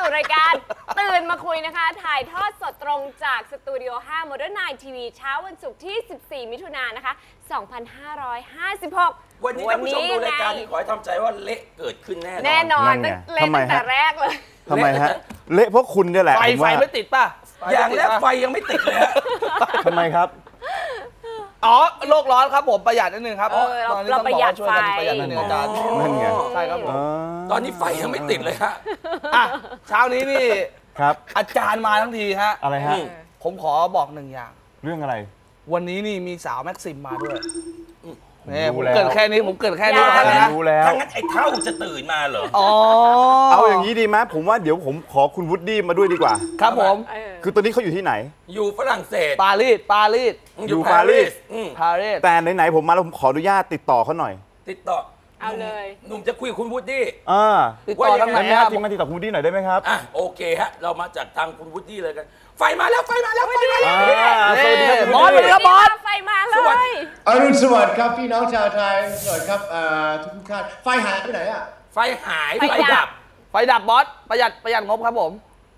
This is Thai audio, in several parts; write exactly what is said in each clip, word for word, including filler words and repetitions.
สู่รายการตื่นมาคุยนะคะถ่ายทอดสดตรงจากสตูดิโอห้า Modern ไนน์ ที วี เช้าวันศุกร์ที่สิบสี่มิถุนายนนะคะสองพันห้าร้อยห้าสิบหกวันนี้ท่านผู้ชมดูรายการนี้ขอให้ทำใจว่าเละเกิดขึ้นแน่นอนแน่นอนเละตั้งแต่แรกเลยทำไมฮะเละเพราะคุณเนี่ยแหละไฟไฟไม่ติดป่ะอย่างแรกไฟยังไม่ติดเลยทำไมครับอ๋อโลกร้อนครับผมประหยัดนิดนึงครับเราประหยัดไฟประหยัดนิดนึงอาจารย์นั่นไงใช่ครับผมตอนนี้ไฟยังไม่ติดเลยฮะอ่ะเช้านี้นี่ครับอาจารย์มาทั้งทีฮะอะไรฮะผมขอบอกหนึ่งอย่างเรื่องอะไรวันนี้นี่มีสาวแม็กซิมมาด้วยนี่ผมเกิดแค่นี้ผมเกิดแค่นี้แล้วนะรู้แล้วถ้างั้นไอ้เท่าจะตื่นมาเหรออ๋อเอาอย่างนี้ดีไหมผมว่าเดี๋ยวผมขอคุณวูดดี้มาด้วยดีกว่าครับผมคือตอนนี้เขาอยู่ที่ไหนอยู่ฝรั่งเศสปารีสปารีสอยู่ปารีสปารีสแต่ไหนๆผมมาแล้วผมขออนุญาตติดต่อเขาหน่อยติดต่อเอาเลยหนุ่มจะคุยกับคุณวูดดี้อ่าติดต่อทางไหนครับทีมงานติดต่อคุณวูดดี้หน่อยได้ไหมครับอ่ะโอเคฮะเรามาจากทางคุณวูดดี้เลยกันไฟมาแล้วไฟมาแล้วไฟมาแล้วสวัสดีครับบอสครับบอสไฟมาเลยอรุณสวัสดิ์ครับพี่น้องชาวไทยสวัสดีครับทุกท่านไฟหายไปไหนอ่ะไฟหายไฟดับไฟดับบอสประหยัดประหยัดงบครับผม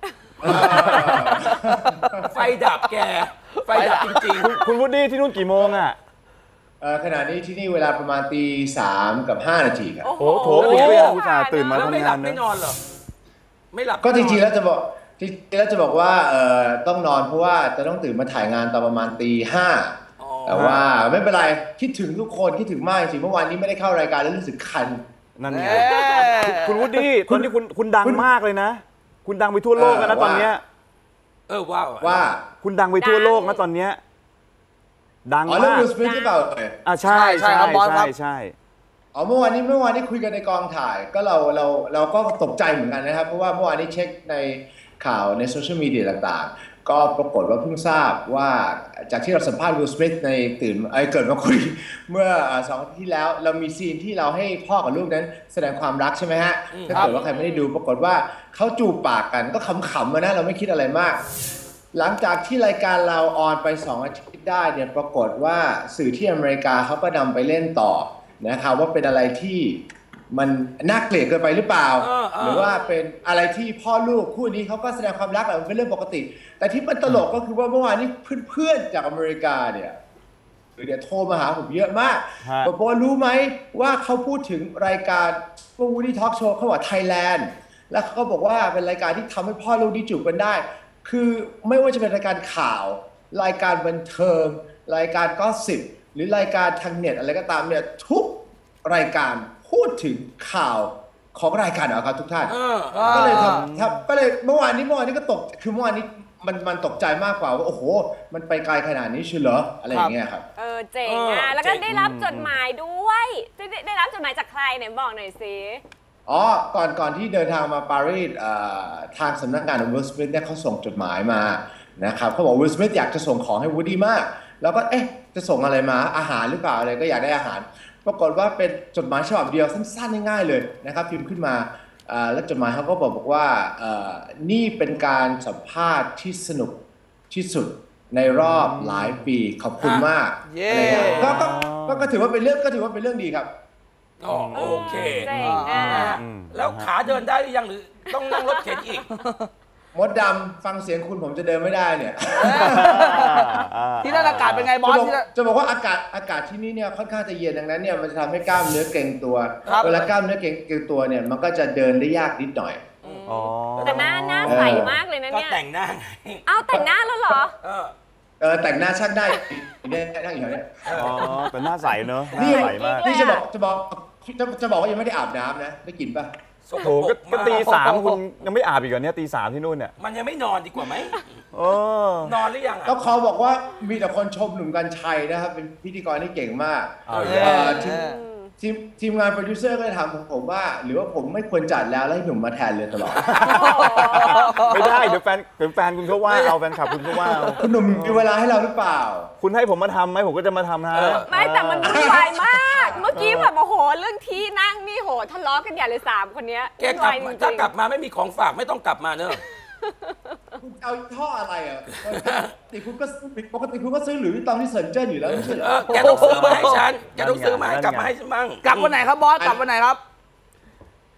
ไฟดับแกไฟดับจริงๆคุณวูดดี้ที่นู่นกี่โมงอ่ะขณะนี้ที่นี่เวลาประมาณตีสามกับห้านาทีครับโอ้โหโถคุณก็ยังอุตส่าห์ตื่นมาทำงานไม่นอนเหรอไม่หลับก็จริงๆแล้วจะบอกจริงๆแล้วจะบอกว่าเอ่อต้องนอนเพราะว่าจะต้องตื่นมาถ่ายงานตอนประมาณตีห้าแต่ว่าไม่เป็นไรคิดถึงทุกคนคิดถึงมากจริงเมื่อวานนี้ไม่ได้เข้ารายการแล้วรู้สึกคันนั่นไงคุณวูดดี้ตอนนี้คุณคุณดังมากเลยนะคุณดังไปทั่วโลกแล้วนะตอนเนี้ยเออว่าว่าคุณดังไปทั่วโลกนะตอนเนี้ยดังมากอ๋อเรื่องวิลสมิธหรือเปล่าอ่าใช่ใช่ใช่ใช่อ๋อเมื่อวานนี้เมื่อวานนี้คุยกันในกองถ่ายก็เราเราเราก็ตกใจเหมือนกันนะครับเพราะว่าเมื่อวานนี้เช็คในข่าวในโซเชียลมีเดียต่างๆก็ปรากฏว่าเพิ่งทราบว่าจากที่เราสัมภาษณ์วิลสมิธในตื่นไอ้เกิดมาคุยเมื่อสองอาทิตย์ที่แล้วเรามีซีนที่เราให้พ่อกับลูกนั้นแสดงความรักใช่ไหมฮะถ้าเกิดว่าใครไม่ได้ดูปรากฏว่าเขาจูบปากกันก็ขำๆนะเราไม่คิดอะไรมากหลังจากที่รายการเราออนไปสองอาทิตย์ได้เนี่ยปรากฏว่าสื่อที่อเมริกาเขาก็นำไปเล่นต่อนะครับว่าเป็นอะไรที่มันน่าเกลียดเกินไปหรือเปล่าหรือว่าเป็นอะไรที่พ่อลูกคู่นี้เขาก็แสดงความรักมันเป็นเรื่องปกติแต่ที่มันตลกก็คือว่าเมื่อวานนี้เพื่อนๆจากอเมริกาเนี่ยเดี๋ยวโทรมาหาผมเยอะมากบอกว่ารู้ไหมว่าเขาพูดถึงรายการวูดดี้ทอล์กโชว์เขาบอกไทยแลนด์แล้วเขาก็บอกว่าเป็นรายการที่ทำให้พ่อลูกได้จูบกันได้คือไม่ว่าจะเป็นรายการข่าวรายการบันเทิงรายการก็สิบหรือรายการทางเน็ตอะไรก็ตามเนี่ยทุกรายการพูดถึงข่าวของรายการนะครับทุกท่านก็เลยทำครับก็เลยเมื่อวานนี้เมื่อวานนี้ก็ตกคือเมื่อวานนี้มันมันตกใจมากกว่าว่าโอ้โหมันไปไกลขนาดนี้เชียวเหรออะไรอย่างเงี้ยครับเออเจ๋งอ่ะแล้วก็ได้รับจดหมายด้วยได้ได้รับจดหมายจากใครเนี่ยบอกหน่อยสิอ๋อก่อนก่อนที่เดินทางมาปารีสทางสำนักงานของวิลสมิธเนี่ยเขาส่งจดหมายมานะครับเขาบอกวิลสมิธอยากจะส่งของให้วูดดี้มากแล้วก็เอ๊ะจะส่งอะไรมาอาหารหรือเปล่าอะไรก็อยากได้อาหารปรากฏว่าเป็นจดหมายฉบับเดียวสั้นๆง่ายๆเลยนะครับพิมพ์ขึ้นมาแล้วจดหมายเขาก็บอกบอกว่านี่เป็นการสัมภาษณ์ที่สนุกที่สุดในรอบหลายปีขอบคุณมากอะไรเงี้ยก็ก็ถือว่าเป็นเรื่องก็ถือว่าเป็นเรื่องดีครับอ๋อโอเคแล้วขาเดินได้หรือยังหรือต้องนั่งรถเข็นอีกมดดำฟังเสียงคุณผมจะเดินไม่ได้เนี่ยที่นั่นอากาศเป็นไงบอสจะบอกว่าอากาศอากาศที่นี่เนี่ยค่อนข้างจะเย็นดังนั้นเนี่ยมันจะทำให้กล้ามเนื้อเกร็งตัวเวลากล้ามเนื้อเกร็งเกร็งตัวเนี่ยมันก็จะเดินได้ยากนิดหน่อยแต่หน้าหน้าใสมากเลยนะเนี่ยก็แต่งหน้าไงเอาแต่งหน้าแล้วเหรอเออแต่งหน้าช่างได้เนี่ยนั่งอยู่เนี่ยอ๋อแต่หน้าใสเนอะนี่ใสมากนี่จะบอกจะบอกจะบอกว่ายังไม่ได้อาบน้ำนะได้กลิ่นป่ะโอ้โหก็ตีสามคุณยังไม่อาบอีกเหรอเนี่ยตีสามที่นู่นเนี่ยมันยังไม่นอนดีกว่าไหมนอนหรือยังก็เขาบอกว่ามีแต่คนชมหนุ่มกรรชัยนะครับเป็นพิธีกรที่เก่งมากทีมทีมงานโปรดิวเซอร์ก็เลยถามผมว่าหรือว่าผมไม่ควรจัดแล้วแล้วให้หนุ่มมาแทนเลยตลอดไม่ได้เดี๋ยวแฟนเดี๋ยวแฟนคุณเขาว่าเอาแฟนคลับคุณเขาว่าคุณหนุ่มมีเวลาให้เราหรือเปล่าคุณให้ผมมาทำไหมผมก็จะมาทำนะไม่แต่มันวุ่นวายมากเมื่อกี้แบบโอ้โหเรื่องที่นั่งนี่โหทะเลาะกันใหญ่เลยสามคนนี้แกกลับถ้ากลับมาไม่มีของฝากไม่ต้องกลับมาเนอะคุณเอาท่ออะไรอ่ะปกติคุณก็ปกติคุณก็ซื้อหรือตอนที่เซินเจิ้นอยู่แล้วไม่ใช่เหรอแกต้องซื้อมาให้ฉันแกต้องซื้อมาให้กลับมาให้ฉันบ้างกลับวันไหนครับบอสกลับวันไหนครับ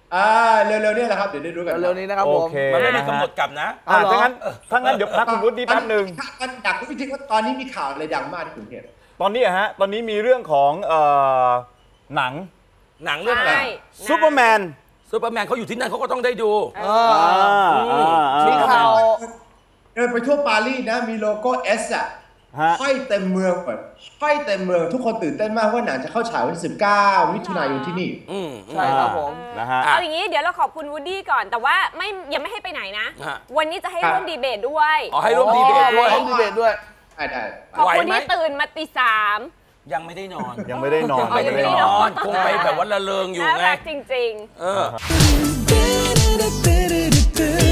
อ่าเร็วๆเนี่ยแหละครับเดี๋ยวได้รู้กันเร็วๆนี้นะครับโอผมเคมันไม่มีกำหนดกลับนะอ่าเอาเหรอถ้างั้นถ้างั้นเดี๋ยวพักคุณวุฒิแป๊บหนึ่งมันอยากรู้จริงๆว่าตอนนี้มีข่าวอะไรดังมากที่กรุงเทพตอนนี้อะฮะตอนนี้มีเรื่องของเอ่อหนังหนังเรื่องอะไรใช่ซูเปอร์แมนซูเปอร์แมนเขาอยู่ที่นั่นเขาก็ต้องได้ดูเอออ่าอ่าอ่ามีข่าวเดินไปทั่วปารีสนะมีโลโก้ S อ่ะฮะห้อยเต็มเมืองแบบห้อยเต็มเมืองทุกคนตื่นเต้นมากว่าหนังจะเข้าฉายวันที่สิบเก้ามิถุนายนที่นี่อืมใช่ครับผมนะฮะเอาอย่างนี้เดี๋ยวเราขอบคุณวูดดี้ก่อนแต่ว่าไม่ยังไม่ให้ไปไหนนะฮะวันนี้จะให้ครับร่วมดีเบตด้วยอ๋อให้ร่วมดีเบตด้วยร่วมดีเบตด้วยได้ได้ขอบไหวคุณไหมที่ตื่นมาตีสามยังไม่ได้นอนยังไม่ได้นอนยังไม่ได้นอน คงไปแบบว่าละเลงอยู่น่าไงรักจริงเออ